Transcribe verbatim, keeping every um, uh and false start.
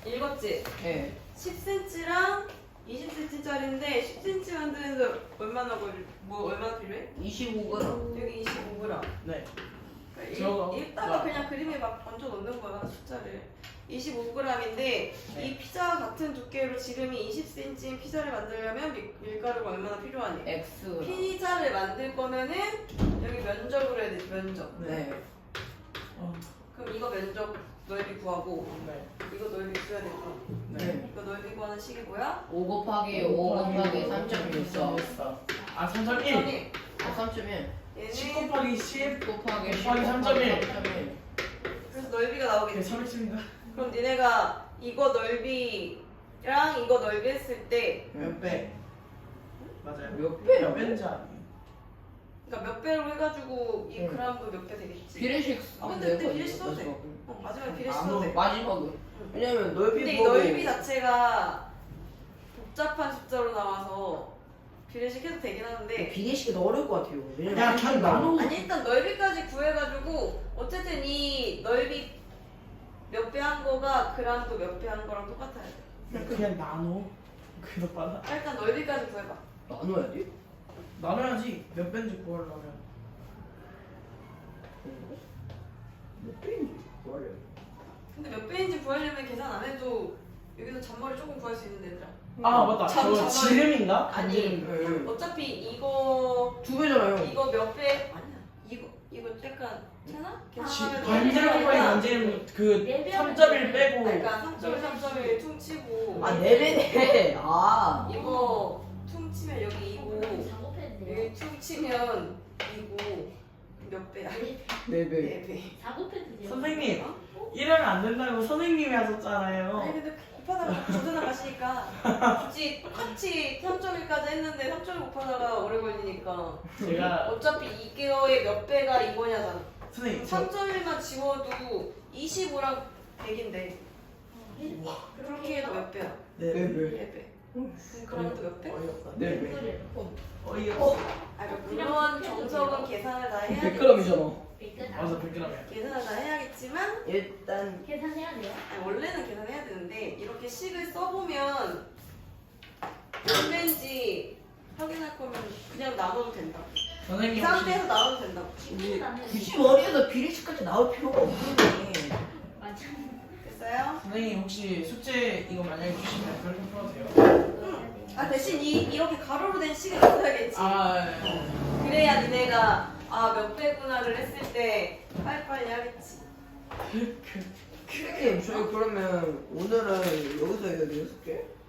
읽었지? 네. 십 센티미터랑 이십 센티미터짜리인데 십 센티미터 만드는데 얼마나 걸리, 뭐 얼마나 필요해? 이십오 그램. 여기 이십오 그램. 네. 그러니까 저거. 일, 읽다가 그냥 그림에 막 얹어 놓는 거야 숫자를. 이십오 그램인데 네. 이 피자와 같은 두께로 지름이 이십 센티미터인 피자를 만들려면 밀, 밀가루가 얼마나 필요하니? X. 피자를 만들 거면은 여기 면적으로 해야 되지 면적. 네. 어, 그럼 이거 면적 넓이 구하고 네. 이거 넓이 구해야 될 거야. 네. 이거 넓이 구하는 식이 뭐야? 오 곱하기 오 곱하기 삼 점 일사. 아, 삼 점 일. 점이 아, 삼 점 일. 십 얘는 곱하기 십 곱하기 십 곱하기 삼 점 일. 삼 점 일. 그래서 넓이가 네, 나오겠지. 삼십입니다. 그럼 니네가 이거 넓이랑 이거 넓이 했을 때 몇 배? 맞아요. 몇 배요? 몇 배인지 아니? 그러니까 몇 배로 해가지고 이 응. 그람도 몇 배 되겠지. 비례식. 아, 근데 그때 비례식 써도 돼. 어, 마지막에 비례식 써도 돼. 마지막은. 왜냐면 넓이 근데 이 보고. 넓이 자체가 복잡한 숫자로 나와서 비례식 해도 되긴 하는데 비례식이 더 어려울 것 같아요. 왜냐면 야, 그냥 나눠. 아니 일단 넓이까지 구해가지고 어쨌든 이 넓이 몇 배 한 거가 그람도 몇 배 한 거랑 똑같아야 돼. 그냥 나눠. 그래도 빨라. 일단 넓이까지 구해봐. 나눠야 돼? 나눠야지. 몇 배인지 구하려면. 몇 배인지 구하려. 근데 몇 배인지 구하려면 계산 안 해도 여기서 잔머리 조금 구할 수 있는데 얘들아. 아, 맞다. 참, 저 참. 지름인가? 아니 응. 어차피 이거 두 배잖아요. 이거 몇 배? 아니야. 이거 이거 약간 괜찮아? 지- 계산하면 반지름 곱하기 반지름 그 삼 점 일 빼고. 그러니까 삼 점 일, 삼 점 일 퉁치고 아, 네 배네. 아. 이거 퉁치면 여기 이고 작업해도 돼요? 여기 퉁치면 이고 몇 배야? 네 배. 네 배. 작업해도 돼요? 선생님, 어? 이러면 안 된다고 선생님이 하셨잖아요. 아니 근데 곱하다가 조드나 가시니까 굳이 똑같이 삼 점 일까지 했는데 삼 점 일 곱하다가 오래 걸리니까 제가 어차피 이거의 몇 배가 이거냐잖아. 선생님 저 삼 점 일만 지워도 이십오랑 백인데 그렇게 해도 몇 배야? 네. 네 배. 네 배. 그럼도 몇 배? 어이없다. 네 배. 소리예요. 어이없어. 아, 물론 정석은 계산을 다 해야겠지. 백 그램이잖아. 맞아, 백 그램이야. 계산을 다 해야겠지만 일단 계산해야 돼요? 아니, 원래는 계산해야 되는데 이렇게 식을 써보면 몇 배인지 확인할 거면 그냥 나눠도 된다. 이 선생님 혹시 상태에서 나눠도 된다고. 이제 굳이 머리에서 비례식까지 나올 필요가 없네. 맞아. 됐어요? 선생님 혹시 숙제 이거 만약에 주시면 그렇게 풀어도 돼요? 아 대신 이 이렇게 가로로 된 식을 써야겠지. 아, 그래야 니네가 아 몇 배구나를 했을 때 빨리빨리 하겠지. 선생님, 저희 그러면 오늘은 여기서 해야 돼요, 숙제?